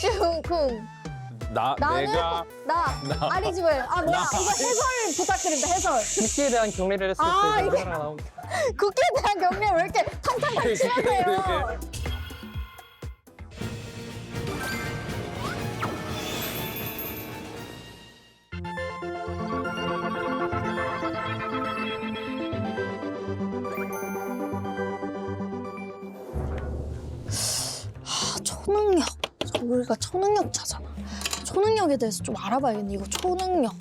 슝쿵. 나는 내가 아리즈웰. 아 뭐야? 이거 해설 부탁드립니다. 해설. 국기에 대한 경례를 했을 아, 때 이게- 하나 나온 국기에 대한 경례 왜 이렇게 탕탕탕 치면서요? 초능력. 우리가 초능력자잖아. 초능력에 대해서 좀 알아봐야겠네. 이거 초능력.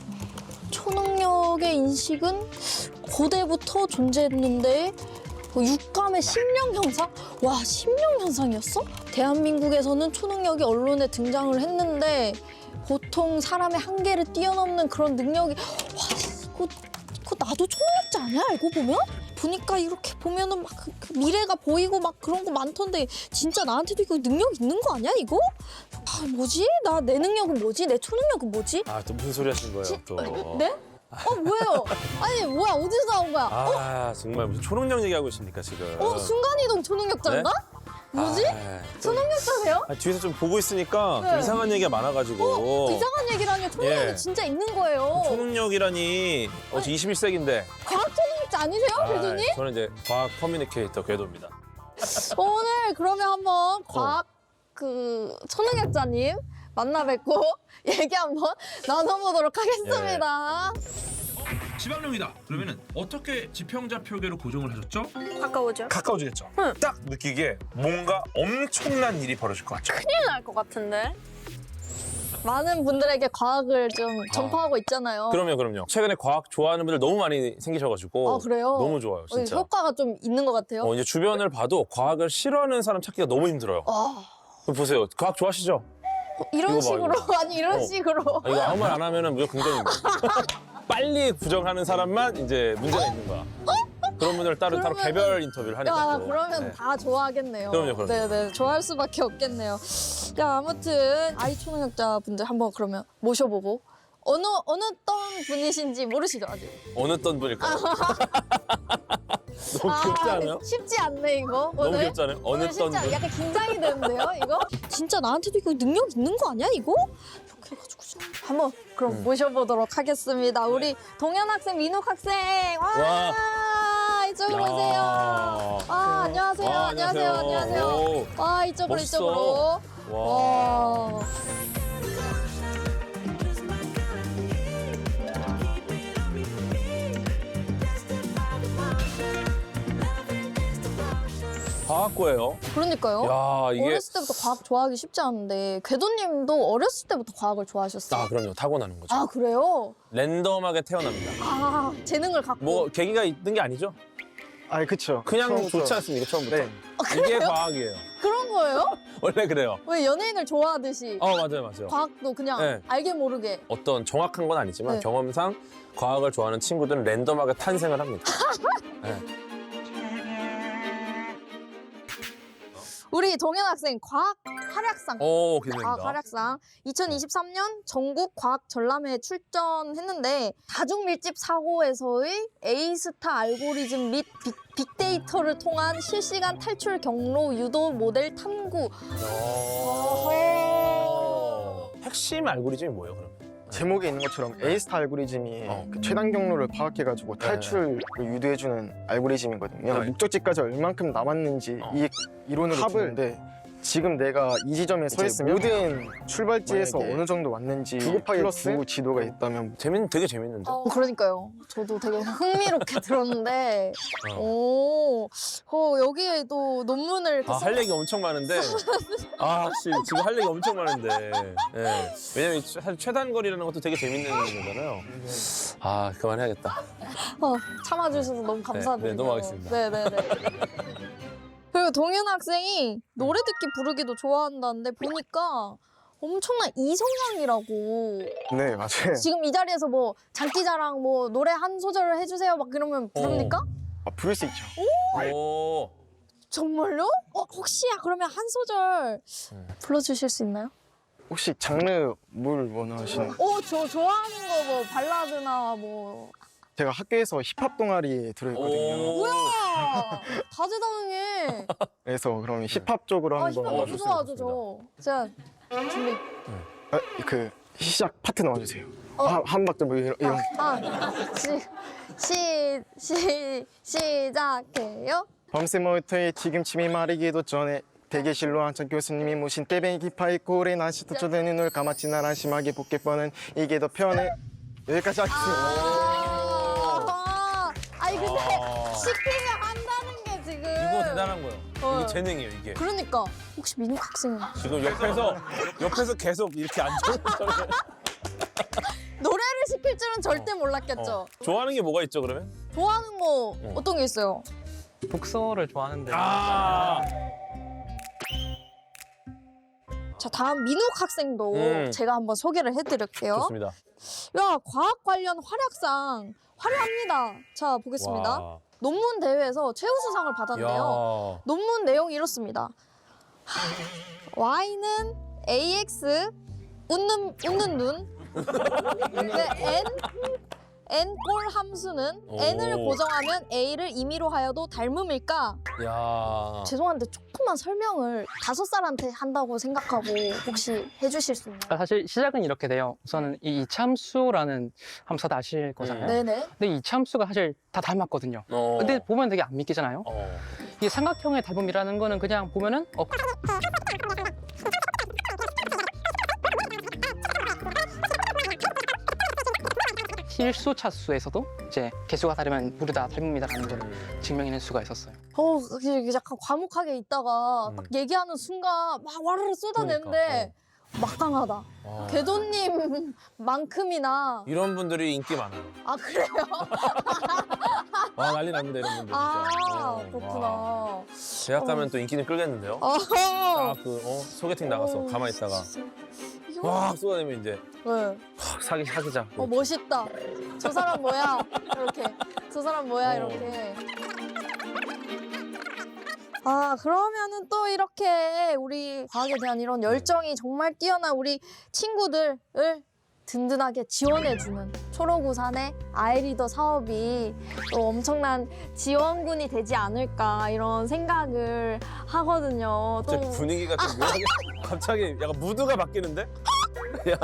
초능력의 인식은 고대부터 존재했는데 육감의 심령 현상? 와, 심령 현상이었어? 대한민국에서는 초능력이 언론에 등장을 했는데 보통 사람의 한계를 뛰어넘는 그런 능력이 와, 그거 나도 초능력자 아니야? 알고 보면? 보니까 이렇게 보면은 막 그 미래가 보이고 막 그런 거 많던데 진짜 나한테도 이거 능력 있는 거 아니야 이거? 아 뭐지? 나 내 능력은 뭐지? 내 초능력은 뭐지? 아, 또 무슨 소리 하신 거예요, 또. 네? 뭐예요? 아니 뭐야 어디서 나온 거야? 아, 정말 무슨 초능력 얘기하고 있습니까, 지금. 순간이동 초능력자인가? 뭐지? 아, 초능력자세요? 뒤에서 좀 보고 있으니까 네. 좀 이상한 얘기가 많아가지고. 이상한 얘기라뇨. 초능력이 예. 진짜 있는 거예요. 초능력이라니, 어제 21세기인데. 과학 초능력자 아니세요, 궤도님? 저는 이제 과학 커뮤니케이터 궤도입니다. 오늘 그러면 한번 과학 그 초능력자님 만나 뵙고 얘기 한번 나눠보도록 하겠습니다. 지방령이다. 그러면은 어떻게 지평자표계로 고정을 하셨죠? 가까워져. 가까워지겠죠? 딱 느끼기에 뭔가 엄청난 일이 벌어질 것 같죠? 큰일 날 것 같은데. 많은 분들에게 과학을 좀 전파하고 있잖아요. 그럼요. 최근에 과학 좋아하는 분들 너무 많이 생기셔가지고. 아, 그래요? 너무 좋아요, 진짜. 효과가 좀 있는 것 같아요. 이제 주변을 봐도 과학을 싫어하는 사람 찾기가 너무 힘들어요. 그럼 보세요. 과학 좋아하시죠? 이런 이거 봐, 식으로 이거 봐. 아니 이런 식으로. 이거 아무 말 안 하면 무조건 긍정입니다. 빨리 부정하는 사람만 이제 문제가 있는 거야. 그런 분들 따로 그러면은- 개별 인터뷰를 하니까. 야, 또. 그러면 네. 다 좋아하겠네요. 그럼요. 네네, 좋아할 수밖에 없겠네요. 야, 아무튼 아이 초능력자 분들 한번 그러면 모셔보고 어느 어떤 분이신지 모르시죠 아직. 어느 어떤 분일까요? 너무 귀엽지 않아요? 쉽지 않네 이거. 너무 오늘. 귀엽지 않아요? 어느 오늘 어떤 쉽지 않. 분? 약간 긴장이 되는데요, 이거? 진짜 나한테도 이거 능력 있는 거 아니야, 이거? 이렇게 해가지고 좀 한번 그럼 모셔보도록 하겠습니다. 우리 동현 학생, 민욱 학생, 와, 이쪽으로 오세요. 안녕하세요, 안녕하세요. 오, 와, 이쪽으로, 멋있어. 이쪽으로. 와. 과학고예요. 그러니까요. 야, 이게 어렸을 때부터 과학 좋아하기 쉽지 않은데 궤도님도 어렸을 때부터 과학을 좋아하셨어요? 그럼요. 타고나는 거죠. 아, 그래요? 랜덤하게 태어납니다. 아, 재능을 갖고. 뭐 계기가 있는 게 아니죠? 아니 그쵸. 그냥 처음부터. 좋지 않습니까? 처음부터. 네. 이게 과학이에요. 그런 거예요? 원래 그래요. 왜 연예인을 좋아하듯이 맞아요. 과학도 그냥 네. 알게 모르게. 어떤 정확한 건 아니지만 네. 경험상 과학을 좋아하는 친구들은 랜덤하게 탄생을 합니다. 네. 우리 동현 학생 과학 활약상. 오, 과학 기대됩니다. 활약상 2023년 전국 과학 전람회에 출전했는데 다중 밀집 사고에서의 A스타 알고리즘 및 빅데이터를 통한 실시간 탈출 경로 유도 모델 탐구. 핵심 알고리즘이 뭐예요, 그럼? 제목에 있는 것처럼 A스타 알고리즘이 어. 그 최단 경로를 파악해가지고 탈출을 유도해주는 알고리즘이거든요. 네. 목적지까지 얼만큼 남았는지 어. 이론으로 두는데 지금 내가 이 지점에 서 있으면 모든 출발지에서 만약에 어느 정도 왔는지 9 곱하기 플러스 9 지도가 있다면 되게 재밌는데? 그러니까요. 저도 되게 흥미롭게 들었는데, 여기에도 논문을 이렇게 할 얘기 엄청 많은데. 혹시 지금 할 얘기 엄청 많은데. 예. 왜냐면 사실 최단거리라는 것도 되게 재밌는 거잖아요. 그만해야겠다. 참아주셔서 너무 감사드리고. 네, 넘어가겠습니다. 네네네. 그리고 동현 학생이 노래 듣기 부르기도 좋아한다는데 보니까 엄청난 이성향이라고. 네 맞아요. 지금 이 자리에서 뭐 장기자랑 뭐 노래 한 소절을 해주세요 막 그러면 부릅니까? 부를 수 있죠. 오. 정말요? 혹시 그러면 한 소절 불러주실 수 있나요? 혹시 장르 뭘 원하시는? 저 좋아하는 거 뭐 발라드나 뭐. 제가 학교에서 힙합 동아리에 들어있거든요. 오. 뭐야! 다재다능해. 그래서 그럼 힙합 쪽으로 한번. 힙합 너무 좋습니다, 좋아하죠, 저. 제가 준비. 그 시작 파트 넣어주세요. 한 박자 뭐 이런. 시작해요. 밤새 모터에 지금 침이 마르기도 전에 대기실로 한참 교수님이 모신 떼뱅이 파이콜에 난시 도쳐된 눈을 감았지 난 한심하게 복게 뻔한 이게 더 편해. 여기까지 하겠습니다. 아니 근데 시키면 한다는 게 지금. 이거 대단한 거예요. 이게 재능이에요, 이게. 그러니까 혹시 민욱 학생 지금 옆에서 계속 이렇게 앉아서 노래를 시킬 줄은 절대 몰랐겠죠. 좋아하는 게 뭐가 있죠, 그러면? 좋아하는 거 어떤 게 있어요? 독서를 좋아하는데 자 다음 민욱 학생도 제가 한번 소개를 해드릴게요. 좋습니다. 야 과학 관련 활약상 화려합니다. 자 보겠습니다. 와. 논문 대회에서 최우수상을 받았는데요. 야. 논문 내용이 이렇습니다. Y는 AX 웃는 눈. 네, N꼴 함수는 오. N을 고정하면 A를 임의로 하여도 닮음일까? 야. 죄송한데 조금만 설명을 5살한테 한다고 생각하고 혹시 해주실 수 있나요? 사실 시작은 이렇게 돼요. 우선은 이 이참수라는 함수 다 아실 거잖아요. 네네. 근데 이 이참수가 사실 다 닮았거든요. 근데 보면 되게 안 믿기잖아요. 이 삼각형의 닮음이라는 거는 그냥 보면은 실수 차수에서도 이제 개수가 다르면 모두 다 닮음이다라는 걸 증명해낼 수가 있었어요. 이게 약간 과묵하게 있다가 딱 얘기하는 순간 막 와르르 쏟아내는데 막강하다. 궤도님만큼이나. 이런 분들이 인기 많아요. 아 그래요? 와, 난리 납니다, 이런 분들. 진짜. 그렇구나. 와. 대학 가면 또 인기는 끌겠는데요? 소개팅 나가서 가만히 있다가 와 쏟아내면 이제 네. 사귀자. 멋있다. 저 사람 뭐야? 이렇게. 저 사람 뭐야? 이렇게. 그러면은 또 이렇게 우리 과학에 대한 이런 열정이 정말 뛰어난 우리 친구들을 든든하게 지원해주는 초록우산의 아이리더 사업이 또 엄청난 지원군이 되지 않을까 이런 생각을 하거든요. 또 갑자기 분위기가 좀 묘하게 갑자기 약간 무드가 바뀌는데? 야.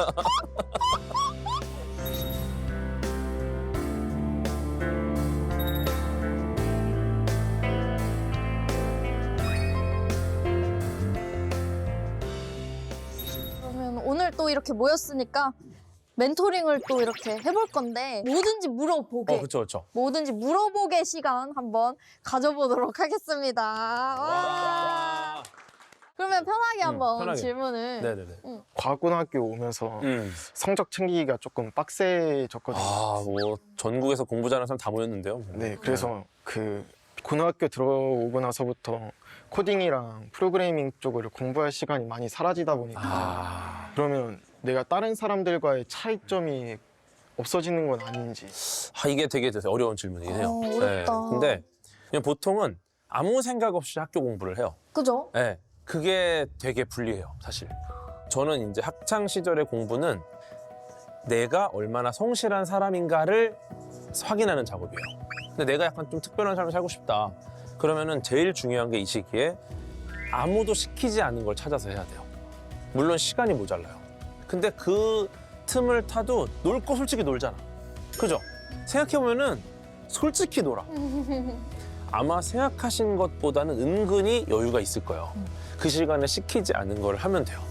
그러면 오늘 또 이렇게 모였으니까 멘토링을 또 이렇게 해볼 건데 뭐든지 물어보게. 그렇죠. 뭐든지 물어보게 시간 한번 가져보도록 하겠습니다. 와. 그러면 편하게 한번 편하게. 질문을. 네네네. 과학고등학교 오면서 성적 챙기기가 조금 빡세졌거든요. 뭐 전국에서 공부 잘하는 사람 다 모였는데요. 네, 그래서 그 고등학교 들어오고 나서부터 코딩이랑 프로그래밍 쪽을 공부할 시간이 많이 사라지다 보니까 그러면 내가 다른 사람들과의 차이점이 없어지는 건 아닌지. 이게 되게 어려운 질문이긴 해요. 어렵다. 근데 그냥 보통은 아무 생각 없이 학교 공부를 해요. 그죠? 네, 그게 되게 불리해요, 사실. 저는 이제 학창 시절의 공부는 내가 얼마나 성실한 사람인가를 확인하는 작업이에요. 근데 내가 약간 좀 특별한 삶을 살고 싶다. 그러면은 제일 중요한 게 이 시기에 아무도 시키지 않은 걸 찾아서 해야 돼요. 물론 시간이 모자라요. 근데 그 틈을 타도 놀 거 솔직히 놀잖아. 그죠? 생각해보면은 솔직히 놀아. 아마 생각하신 것보다는 은근히 여유가 있을 거예요. 그 시간에 시키지 않은 걸 하면 돼요.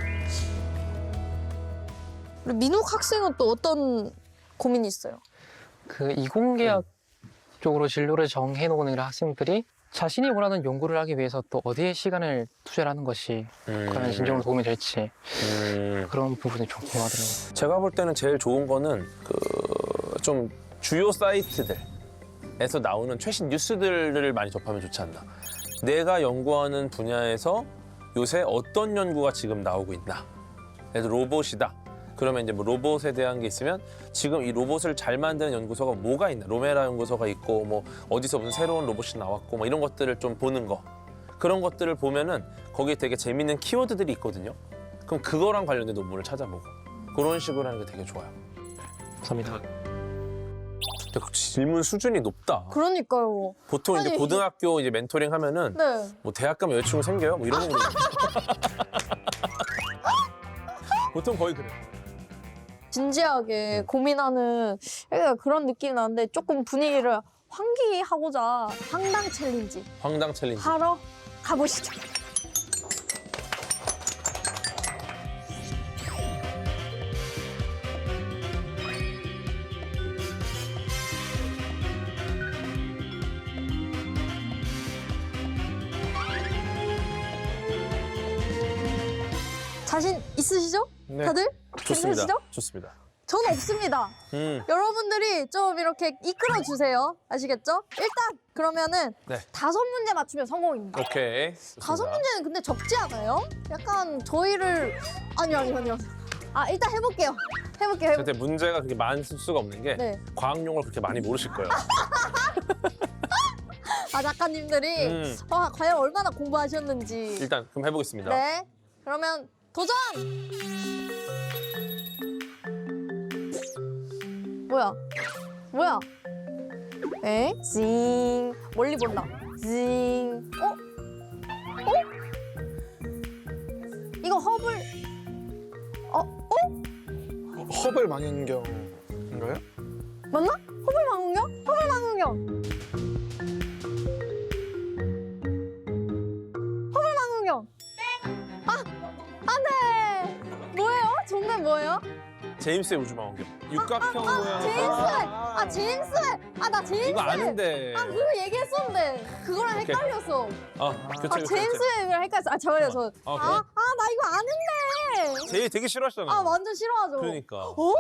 우리 민욱 학생은 또 어떤 고민이 있어요? 그 이공계학 쪽으로 진로를 정해놓은 학생들이 자신이 원하는 연구를 하기 위해서 또 어디에 시간을 투자를 하는 것이 과연 진정으로 도움이 될지 그런 부분이 좀 궁금하더라고요. 제가 볼 때는 제일 좋은 거는 그 좀 주요 사이트들에서 나오는 최신 뉴스들을 많이 접하면 좋지 않나. 내가 연구하는 분야에서 요새 어떤 연구가 지금 나오고 있나. 예를 들어 로봇이다. 그러면 이제 뭐 로봇에 대한 게 있으면 지금 이 로봇을 잘 만드는 연구소가 뭐가 있나. 로메라 연구소가 있고 뭐 어디서 무슨 새로운 로봇이 나왔고 뭐 이런 것들을 좀 보는 거. 그런 것들을 보면은 거기에 되게 재밌는 키워드들이 있거든요. 그럼 그거랑 관련된 논문을 찾아보고 그런 식으로 하는 게 되게 좋아요. 감사합니다. 근데 그 질문 수준이 높다. 그러니까요. 보통 이제 아니. 고등학교 이제 멘토링 하면은 네. 뭐 대학 가면 여자친구 생겨요? 뭐 이런 거 물어봐요. 보통 거의 그래. 진지하게 고민하는 약간 그런 느낌이 나는데 조금 분위기를 환기하고자 황당 챌린지 황당 챌린지. 하러 가보시죠. 자신 있으시죠? 네. 다들? 좋습니다. 괜찮으시죠? 좋습니다. 저는 없습니다. 여러분들이 좀 이렇게 이끌어 주세요. 아시겠죠? 일단 그러면은 네. 5문제 맞추면 성공입니다. 오케이. 5문제는 근데 적지 않아요? 약간 저희를 아니요. 아 일단 해볼게요. 근데 문제가 그렇게 많을 수가 없는 게 네. 과학용어를 그렇게 많이 모르실 거예요. 아 작가님들이 과연 얼마나 공부하셨는지. 일단 그럼 해보겠습니다. 네. 그러면 도전. 뭐야? 에? 징. 멀리 본다. 징. 어? 이거 허블. 허블 망원경인가요? 맞나? 허블 망원경? 허블 망원경. 허블 망원경. 안 돼. 뭐예요? 정답 뭐예요? 제임스의 우주망원경. 육각형 모양. 제임스. 나 제임스. 이거 아는데. 그거 얘기했었는데 그거랑 오케이. 헷갈렸어. 교체. 제임스랑 헷갈렸어. 잠깐만요. 저. 그래? 나 이거 아는데. 제일 되게 싫어하시잖아요. 완전 싫어하죠. 그러니까. 어?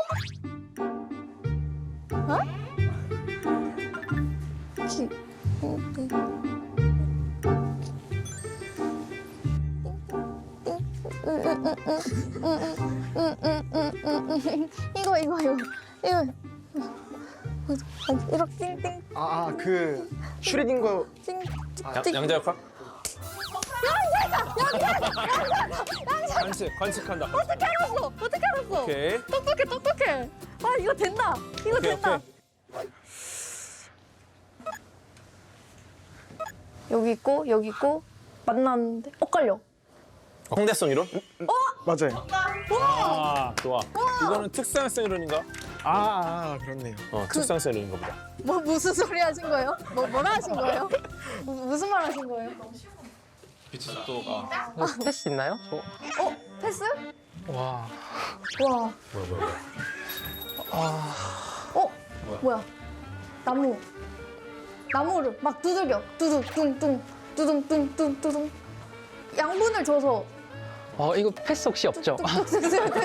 이거 이렇게 띵띵 그 슈리딩거 띵 양자역학? 관측한다. 어떻게 알았어? 오케이. 똑똑해. 이거 된다. 이거 오케이, 된다. 오케이. 여기 있고 만났는데 엇갈려. 홍대성 이론? 맞아요. 좋아. 이거는 특수학생 이론인가? 그렇네요. 특수학생 이론인가 보다. 무슨 소리 하신 거예요? 뭐라 하신 거예요? 무슨 말 하신 거예요? 빛의 속도가. 이거 패스 있나요? 패스? 와. 와. 뭐야. 뭐야? 나무를 막 두들겨. 두둥. 양분을 줘서 이거 패스 혹시 없죠? 똑똑똑똑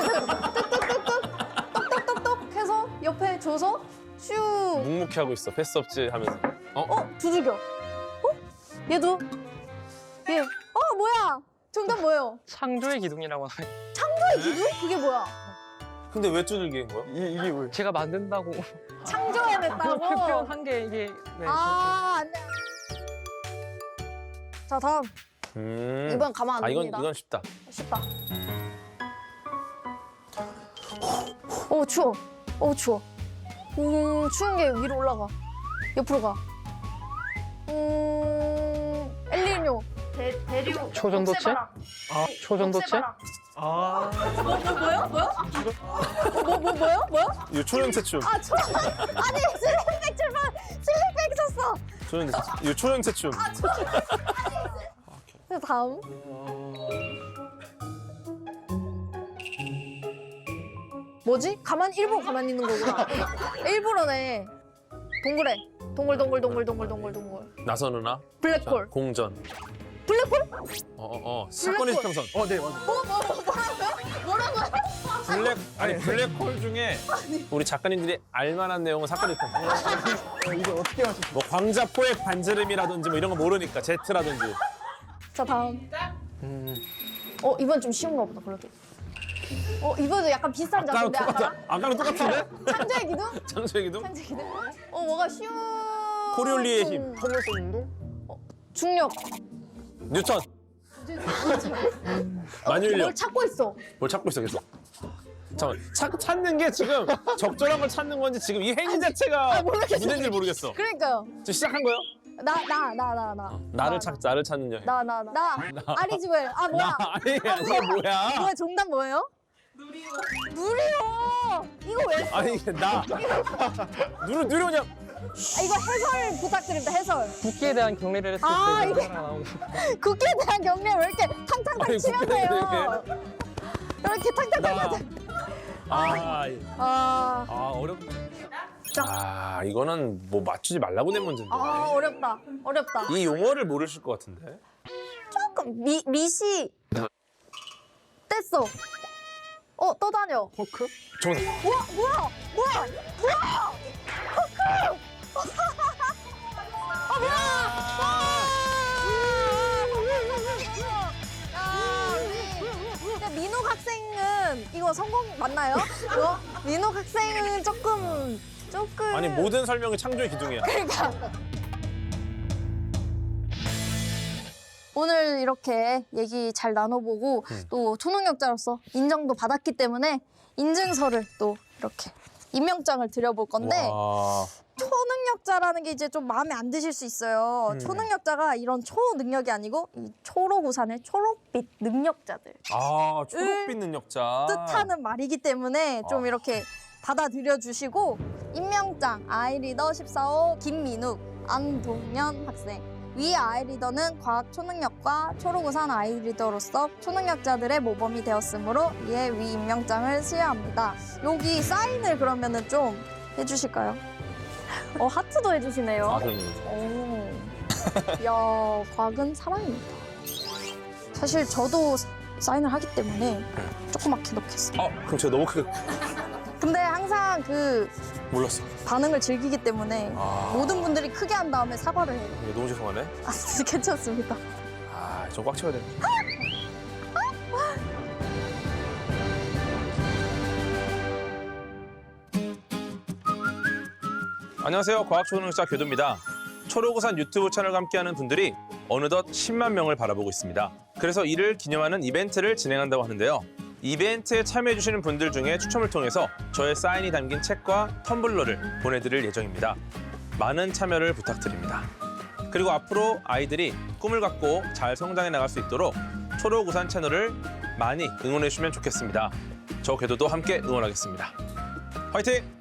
해서 옆에 줘서 슈. 묵묵히 하고 있어. 패스 없지 하면서. 두들겨. 얘도. 얘. 뭐야? 정답 뭐예요? 창조의 기둥이라고 하나요? 기둥? 그게 뭐야? 근데 왜 두들기는 거야? 이게 왜? 제가 만든다고 창조해냈다고? 표현한 게 이게 네. 안 돼. 자, 다음. 이번 가만 안 둡니다. 이건 쉽다. 쉽다. 추워. 추워. 추운 게 위로 올라가. 옆으로 가. 엘니뇨. 대류. 초전도체? 녹색바람. 초전도체? 뭐요? 이거 초연체춤. 아니, 슬릭백 쳤어. 이거 초연체춤. 다음. 뭐지? 일부러 가만히 있는 거구나. 일부러네. 동그래. 동글. 나선우나 블랙홀. 공전. 블랙홀? 사건의 블랙홀. 지평선. 네, 맞아요. 뭐라고요? 블랙홀 중에 우리 작가님들이 알만한 내용은 사건의 지평선. 이게 어떻게 하셨어요? 뭐 광자포의 반지름이라든지 뭐 이런 거 모르니까 제트라든지. 자, 다음. 이번 좀 쉬운가 보다, 그래도. 이번도 약간 비슷한 아까랑 작인데 똑같아. 아까랑 똑같은데? 창조의 기둥? 창조의 기둥? 창조의 기둥? 뭐가 쉬운... 코리올리의 힘. 홈런스 운동? 중력. 뉴턴. 만유인력. 뭘 찾고 있어? 뭘 찾고 있어 계속. 잠깐만. 찾는 게 지금 적절한 걸 찾는 건지 지금 이 행위 자체가 모르겠어. 문제인지 모르겠어. 그러니까요. 지금 시작한 거예요? 나를 찾는 여행. 아리즈웰. 뭐야? 아니 뭐야? 뭐야, 정답 뭐예요? 누리호! 이거 왜? 아니 나 누려 그냥 이거 해설 부탁드립니다. 해설. 국기에 대한 경례를 했을 아, 때 이게- 하나 나오고 국기에 대한 경례 왜 이렇게 탕탕탕 아니, 치면서요? 이렇게 탕탕탕. 아, 어렵. 이거는 뭐 맞추지 말라고 낸 문제인데. 어렵다. 어렵다. 이 용어를 모르실 것 같은데. 조금 미시 뗐어. 떠다녀. 포크? 정답. 뭐야? 근데 민욱 학생은 이거 성공 맞나요? 이거? 민욱 학생은 조금 아니 모든 설명이 창조의 기둥이야. 그러니까 오늘 이렇게 얘기 잘 나눠보고 또 초능력자로서 인정도 받았기 때문에 인증서를 또 이렇게 임명장을 드려볼 건데 와. 초능력자라는 게 이제 좀 마음에 안 드실 수 있어요. 초능력자가 이런 초능력이 아니고 이 초록우산의 초록빛 능력자들 초록빛 능력자. 뜻하는 말이기 때문에 좀 이렇게 받아들여 주시고 임명장 아이리더 14호 김민욱, 안동현 학생 위 아이리더는 과학 초능력과 초록우산 아이리더로서 초능력자들의 모범이 되었으므로 이에 위 임명장을 수여합니다. 여기 사인을 그러면은 좀 해주실까요? 하트도 해주시네요. 그럼요. 오. 야, 과학은 사랑입니다. 사실 저도 사인을 하기 때문에 조그맣게 넣겠어요. 그럼 제가 너무 크게 근데 항상 그 몰랐어. 반응을 즐기기 때문에 모든 분들이 크게 한 다음에 사과를 해요. 너무 죄송하네. 괜찮습니다. 저 꽉 채워야 돼. 안녕하세요. 과학초능력자 교도입니다. 초록우산 유튜브 채널과 함께하는 분들이 어느덧 10만 명을 바라보고 있습니다. 그래서 이를 기념하는 이벤트를 진행한다고 하는데요. 이벤트에 참여해주시는 분들 중에 추첨을 통해서 저의 사인이 담긴 책과 텀블러를 보내드릴 예정입니다. 많은 참여를 부탁드립니다. 그리고 앞으로 아이들이 꿈을 갖고 잘 성장해 나갈 수 있도록 초록우산 채널을 많이 응원해 주시면 좋겠습니다. 저 궤도도 함께 응원하겠습니다. 화이팅!